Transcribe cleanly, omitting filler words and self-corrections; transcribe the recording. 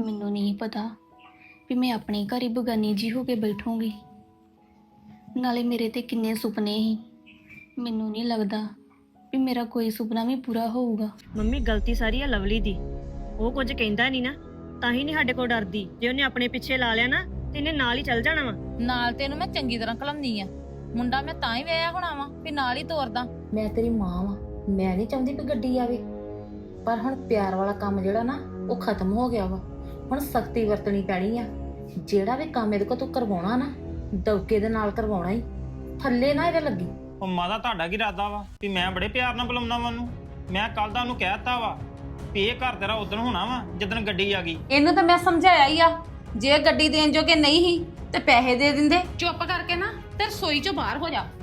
ਮੈਨੂੰ ਨਹੀਂ ਪਤਾ ਵੀ ਮੈਂ ਆਪਣੇ ਘਰ ਹੀ ਬਗਾਨੀ ਜੀ ਹੋ ਕੇ ਬੈਠੂੰਗੀ। ਨਾਲੇ ਮੇਰੇ ਤੇ ਕਿੰਨੇ ਸੁਪਨੇ ਸੀ, ਮੈਨੂੰ ਨਹੀਂ ਲੱਗਦਾ ਵੀ ਮੇਰਾ ਕੋਈ ਸੁਪਨਾ ਵੀ ਪੂਰਾ ਹੋਊਗਾ। ਮੰਮੀ ਗਲਤੀ ਸਾਰੀ ਆ ਲਵਲੀ ਦੀ। ਉਹ ਕੁਝ ਕਹਿੰਦਾ ਨਹੀਂ ਨਾ, ਤਾਂ ਹੀ ਨਹੀਂ ਸਾਡੇ ਕੋਲ ਡਰਦੀ। ਜੇ ਉਹਨੇ ਆਪਣੇ ਪਿੱਛੇ ਲਾ ਲਿਆ ਨਾ ਤੇ ਇਹਨੇ ਨਾਲ ਹੀ ਚੱਲ ਜਾਣਾ ਵਾ। ਨਾਲ ਤੈਨੂੰ ਮੈਂ ਚੰਗੀ ਤਰ੍ਹਾਂ ਘਲਾਉਂਦੀ ਆ। ਮੁੰਡਾ ਮੈਂ ਤਾਂ ਹੀ ਵਿਆਹਿਆ ਹੋਣਾ ਵਾ ਵੀ ਨਾਲ ਹੀ ਤੋਰਦਾ। ਮੈਂ ਤੇਰੀ ਮਾਂ ਵਾਂ, ਮੈਂ ਨਹੀਂ ਚਾਹੁੰਦੀ ਕਿ ਗੱਡੀ ਆਵੇ, ਪਰ ਹੁਣ ਪਿਆਰ ਵਾਲਾ ਕੰਮ ਜਿਹੜਾ ਨਾ ਉਹ ਖਤਮ ਹੋ ਗਿਆ ਵਾ। ਹੁਣ ਸਖਤੀ ਵਰਤਣੀ ਪੈਣੀ ਆ। ਜਿਹੜਾ ਵੀ ਕੰਮ ਇਹਦੇ ਕੋਲ ਤੂੰ ਕਰਵਾਉਣਾ ਨਾ, ਦੌਕੇ ਦੇ ਨਾਲ ਕਰਵਾਉਣਾ ਹੀ, ਥੱਲੇ ਨਾ ਇਹਦੇ ਲੱਗੀ। ਉਹ ਮਾਦਾ ਤੁਹਾਡਾ ਕੀ ਇਰਾਦਾ ਵਾ ਵੀ ਮੈਂ ਬੜੇ ਪਿਆਰ ਨਾਲ ਬੁਲਾਉਂਦਾ ਵਾ ਉਹਨੂੰ? ਮੈਂ ਕੱਲ ਦਾ ਉਹਨੂੰ ਕਹਿਤਾ ਵਾ ਵੀ ਇਹ ਘਰ ਤੇਰਾ ਉਦਣ ਹੋਣਾ ਵਾ ਜਦੋਂ ਗੱਡੀ ਆ ਗਈ। ਇਹਨੂੰ ਤਾਂ ਮੈਂ ਸਮਝਾਇਆ ਹੀ ਆ, ਜੇ ਗੱਡੀ ਦੇਣ ਜੋਗੇ ਨਹੀਂ ਹੀ ਤੇ ਪੈਸੇ ਦੇ ਦਿੰਦੇ। ਚੁੱਪ ਕਰਕੇ ਨਾ ਤੇ ਰਸੋਈ ਚੋਂ ਬਾਹਰ ਹੋ ਜਾ।